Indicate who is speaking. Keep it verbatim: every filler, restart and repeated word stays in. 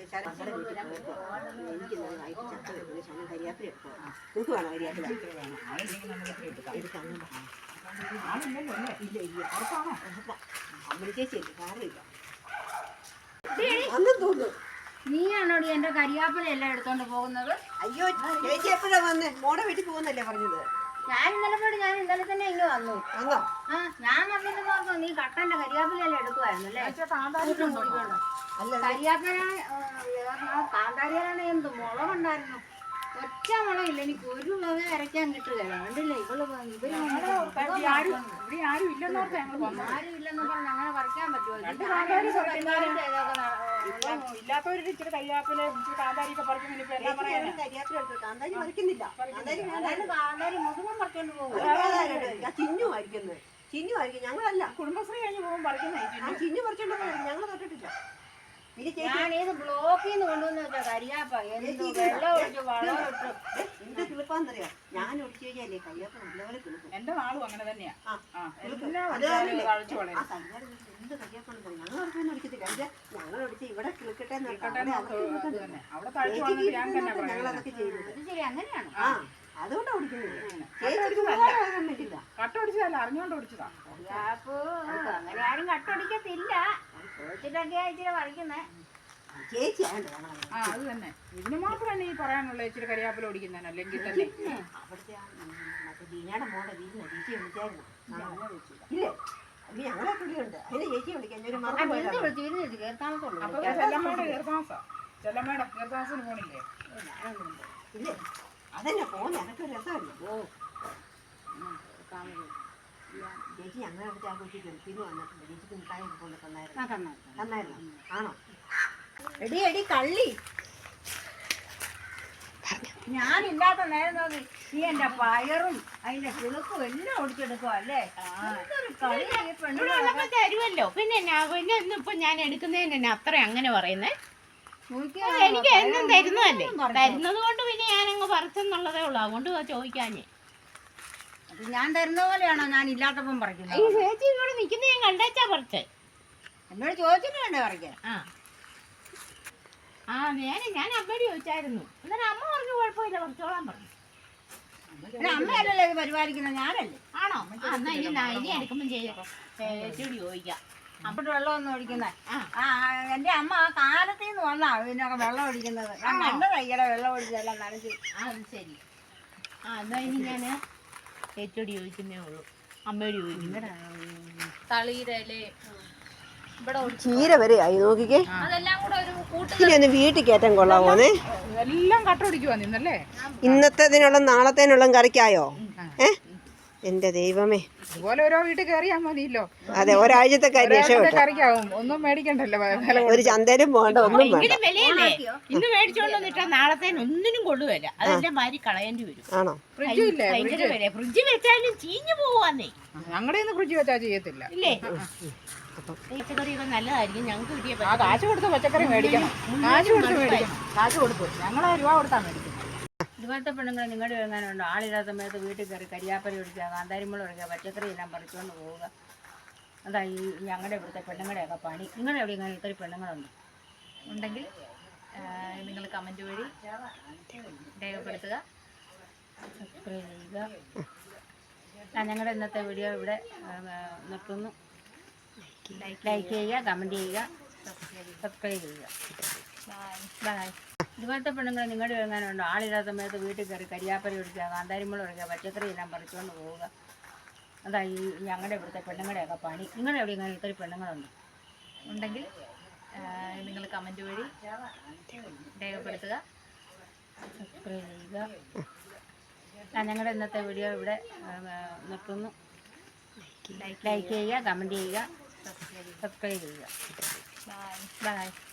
Speaker 1: നിങ്ങൾക്ക് വേണോ കരിയാപ്പില? അമ്മ ചേച്ചി കാര്യമില്ല അന്നും തോന്നുന്നു.
Speaker 2: നീയാണോടി എന്റെ കരിയാപ്പില എല്ലാം എടുത്തോണ്ട് പോകുന്നത്?
Speaker 1: അയ്യോ ചേച്ചി എപ്പോഴാ വന്നേ? മോടെ വീട്ടിൽ പോകുന്നല്ലേ പറഞ്ഞത്?
Speaker 2: ഞാൻ ഇന്നലെ പോയിട്ട് ഞാൻ ഇന്നലെ തന്നെ ഇങ്ങ് വന്നു.
Speaker 1: വന്നോ?
Speaker 2: ആ ഞാൻ വന്നിട്ട് നോക്കൂ നീ കട്ടന്റെ കരിയാപ്പിലെല്ലാം എടുക്കുവായിരുന്നു അല്ലേ? അല്ല കരിയാപ്പില കാന്താരിയിലാണ് എന്ത് മുളകുണ്ടായിരുന്നു. ഒറ്റ മുളകില്ല, എനിക്ക് ഒരു മുളക് അരയ്ക്കാൻ കിട്ടുകയല്ല. കണ്ടില്ലേ ഇവള് ഇവര് ആരും ഇല്ലെന്ന് പറഞ്ഞ് അങ്ങനെ പറിക്കാൻ പറ്റുമോ?
Speaker 3: ഇല്ലാത്തവര് ഇച്ചിരി കരിയാപ്പില കാന്താരിയൊക്കെ പറിക്കുന്നില്ല.
Speaker 1: കാന്താരി പറിക്കുന്നില്ല,
Speaker 2: കാന്താരി മുഴുവൻ പറിച്ചോണ്ട് പോകും.
Speaker 1: ചിന്നു ആയിരിക്കുന്നത്, ചിന്നു ആയിരിക്കും. ഞങ്ങളല്ല,
Speaker 3: കുടുംബശ്രീ കഴിഞ്ഞ് പോകുമ്പോൾ പറിക്കുന്ന
Speaker 1: ചിന്നു പറിച്ചോണ്ട് പോകും. ഞങ്ങൾ തൊട്ടിട്ടില്ല.
Speaker 2: ഞാനേത് ബ്ലോക്കിൽ നിന്ന് കൊണ്ടുവന്ന് വെച്ചാ കരിയാപ്പ എന്ത് വെള്ളം ഒഴിച്ച് വളം ഇട്ട്
Speaker 1: എന്ത് കിളിപ്പാന്നറിയാ. ഞാൻ ഒടിച്ചു കഴിഞ്ഞാലേ കരിയാപ്പ നല്ലപോലെ കിളിക്കും.
Speaker 3: എന്റെ നാളും അങ്ങനെ തന്നെയാ.
Speaker 1: എന്ത് കരിയാപ്പാണെന്ന് ഞങ്ങൾ ഒടിച്ചൊന്നും ഒടിക്കത്തില്ല. ഞങ്ങൾ ഒടിച്ച് ഇവിടെ കിളിക്കട്ടെ ഞങ്ങളതൊക്കെ ചെയ്യുന്നത്.
Speaker 2: ശരി അങ്ങനെയാണ്.
Speaker 1: ആ അതുകൊണ്ടാ ഓടിക്കുന്നത്.
Speaker 3: കട്ട ഒടിച്ചതല്ല, അറിഞ്ഞോണ്ട് ഓടിച്ചതാ.
Speaker 2: കരിയാപ്പ് അങ്ങനെ ആരും കട്ടൊടിക്കത്തില്ല. ചോദിച്ചിട്ടൊക്കെയാ ഇച്ചിരി പറിക്കുന്നേ.
Speaker 1: ചേച്ചി
Speaker 3: ആ അത് തന്നെ. ഇതിന് മാത്രമല്ല ഈ പറയാനുള്ള ഇച്ചിരി കരിയാപ്പില ഓടിക്കുന്നതിന്. അല്ലെങ്കിൽ തന്നെ
Speaker 1: അവിടുത്തെ മറ്റേ ദീനയുടെ മോടെ വീട്ടിൽ ചേച്ചി വിളിച്ചായിരുന്നു. ഇല്ലേ ഞങ്ങളെ കുടിയുണ്ട്. അതിന് ചേച്ചി വിളിക്കാൻ ഒരു
Speaker 2: കേർത്താമസുള്ളൂ.
Speaker 3: അപ്പൊ ചെല്ലമ്മയുടെ കീർത്താമസാ. ചെല്ലമ്മയുടെ കീർത്താമസിന് പോണില്ലേ?
Speaker 1: ഇല്ലേ അതന്നെ പോന്നെ. അതൊക്കെ ഒരു രസമല്ലേ.
Speaker 2: ഓ
Speaker 1: ചേച്ചി ഞങ്ങളെ അടുത്ത് ആ കൊച്ചി ഗൾഫിന്ന് വന്നിട്ടുണ്ട്. ചേച്ചിക്ക് മിഠായി കൊണ്ട് തന്നായിരുന്നു. തന്നായിരുന്നു ആണോ?
Speaker 2: എടി എടി കള്ളി, ഞാനില്ലാത്ത നേരം നോക്കി നീ എന്റെ പയറും അതിന്റെ കിളുക്കും എല്ലാം ഒടിച്ചെടുക്കുക അല്ലേ?
Speaker 4: തരുമല്ലോ. പിന്നെ പിന്നെ ഇന്നിപ്പൊ ഞാൻ എടുക്കുന്നതിന് അത്ര അങ്ങനെ പറയുന്നേ. എനിക്ക് എന്നും തരുന്നതല്ലേ, തരുന്നത് കൊണ്ട് പിന്നെ ഞാനങ്ങ് പറിച്ചെന്നുള്ളതേ ഉള്ളൂ. അതുകൊണ്ട് ചോദിക്കാഞ്ഞേ.
Speaker 2: ഞാൻ തരുന്ന പോലെയാണോ ഞാൻ ഇല്ലാത്തപ്പം പറിക്കുന്നത്?
Speaker 4: ഈ ചേച്ചി ഇവിടെ നിൽക്കുന്ന ഞാൻ കണ്ടേച്ചാ പറിച്ചേ.
Speaker 2: എന്നോട് ചോദിച്ചിട്ട് വേണ്ടേ പറിക്കാൻ?
Speaker 4: ആ ആ ഞാൻ ഞാൻ അമ്മയോട് ചോദിച്ചായിരുന്നു. എന്നാലും അമ്മ പറഞ്ഞു കുഴപ്പമില്ല, പറിച്ചോളാൻ പറഞ്ഞു.
Speaker 2: അമ്മയല്ലല്ലോ ഇത് പരിപാലിക്കുന്നത്, ഞാനല്ലേ.
Speaker 4: ആണോ? എന്നാ ഇനി ഇനി എടുക്കുമ്പോൾ ചേച്ചിയോട് ചോദിക്കാം.
Speaker 2: അപ്പോട്ട് വെള്ളം ഒന്നും ഒഴിക്കുന്നത്. ആ എന്റെ അമ്മ ആ കാലത്തിൽ നിന്ന് വന്നാ ഇതിനൊക്കെ വെള്ളം ഒഴിക്കുന്നത്. ഞാൻ കണ്ട തയ്യല വെള്ളം ഒഴിച്ചതെല്ലാം നനച്ച്.
Speaker 4: ആ അത് ശരി. ആ എന്നാ ഇനി ഞാൻ ചേച്ചിയോട് ചോദിക്കുന്നേ ഉള്ളൂ. അമ്മയോട് ചോദിക്കും. തളിയിലേ ഇവിടെ
Speaker 1: ചീര വരെ ആയി നോക്കിക്കേ.
Speaker 4: അതെല്ലാം കൂടെ ഒരു കൂട്ട്
Speaker 1: ഇനി ഒന്ന് വീട്ടിൽ കയറ്റാൻ കൊള്ളാമോന്നേ.
Speaker 3: എല്ലാം കട്ടൊടിക്കുവാ നിന്നല്ലേ.
Speaker 1: ഇന്നത്തേതിനുള്ള നാളത്തേനുള്ള കറിക്കായോ? ഏ എന്റെ ദൈവമേ,
Speaker 3: ഇതുപോലെ ഓരോ വീട്ടിൽ കയറിയാ മതിയല്ലോ.
Speaker 1: അതെ ഒരാഴ്ചത്തെ കറി
Speaker 3: കറിക്കാവും. ഒന്നും മേടിക്കണ്ടല്ലോ.
Speaker 1: ഒരു ചന്തയിലും പോകണ്ട, ഒന്നും വേണ്ട.
Speaker 4: വിലയല്ലേ. ഇന്ന് മേടിച്ചോണ്ട് വന്നിട്ടാ നാളത്തേന് ഒന്നിനും കൊള്ളുകയില്ല. അതിന്റെ മാതിരി കളയേണ്ടി വരും.
Speaker 1: ആണോ?
Speaker 4: ഭയങ്കര വില. ഫ്രിഡ്ജ് വെച്ചാലും ചീഞ്ഞു പോവാന്നേ.
Speaker 3: ഞങ്ങളുടെ ഒന്നും ഫ്രിഡ്ജ് വെച്ചാൽ ചെയ്യത്തില്ല.
Speaker 4: ഇല്ലേ? പച്ചക്കറിയൊക്കെ നല്ലതായിരിക്കും. ഞങ്ങൾക്ക് കിട്ടിയ
Speaker 3: ആ കാശ് കൊടുത്ത് പച്ചക്കറി മേടിക്കണം. കാശ് കൊടുത്ത് മേടിക്കണം. കാശ് കൊടുത്തു ഞങ്ങൾ രൂപ കൊടുത്താ മേടിക്കുന്നത്.
Speaker 2: ഇതുപോലത്തെ പെണ്ണുങ്ങൾ നിങ്ങളുടെ എഴുതാനുണ്ടോ? ആളില്ലാത്ത സമയത്ത് വീട്ടിൽ കയറി കരിയാപ്പല ഒഴിക്കുക, കാന്താരിമുളക് ഒഴിക്കുക, പച്ചക്കറി എല്ലാം പറിച്ചുകൊണ്ട് പോവുക. അതാ ഈ ഞങ്ങളുടെ ഇവിടുത്തെ പെണ്ണുങ്ങളുടെയൊക്കെ പണി. നിങ്ങളുടെ എവിടെ ഇങ്ങനെ ഇത്രയും പെണ്ണുങ്ങളുണ്ട്
Speaker 4: ഉണ്ടെങ്കിൽ നിങ്ങൾ കമൻറ്റ് വഴി രേഖപ്പെടുത്തുക,
Speaker 2: സബ്സ്ക്രൈബ് ചെയ്യുക. ഞങ്ങളുടെ ഇന്നത്തെ വീഡിയോ ഇവിടെ നിർത്തുന്നു. ലൈക്ക് ചെയ്യുക, കമൻറ്റ് ചെയ്യുക, സബ്സ്ക്രൈബ് ചെയ്യുക. ബൈ. ഇതുപോലത്തെ പെണ്ണുങ്ങൾ നിങ്ങളുടെ എഴുതാനുണ്ടോ? ആളില്ലാത്ത സമയത്ത് വീട്ടിൽ കയറി കരിയാപ്പല ഒഴിക്കുക, കാന്താരിമുളക് ഒഴിക്കുക, പച്ചക്കറി എല്ലാം പറിച്ചുകൊണ്ട് പോവുക. അതാ ഈ ഞങ്ങളുടെ ഇവിടുത്തെ പെണ്ണുങ്ങളുടെയൊക്കെ പണി. നിങ്ങളുടെ എവിടെ ഇങ്ങനെ ഇത്രയും പെണ്ണുങ്ങളുണ്ട്
Speaker 4: ഉണ്ടെങ്കിൽ നിങ്ങൾ കമൻറ്റ് വഴി രേഖപ്പെടുത്തുക,
Speaker 2: സബ്സ്ക്രൈബ് ചെയ്യുക. ഞങ്ങളുടെ ഇന്നത്തെ വീഡിയോ ഇവിടെ നിർത്തുന്നു. ലൈക്ക് ചെയ്യുക, കമൻറ്റ് ചെയ്യുക, സബ്സ്ക്രൈബ് ചെയ്യുക. ബൈ.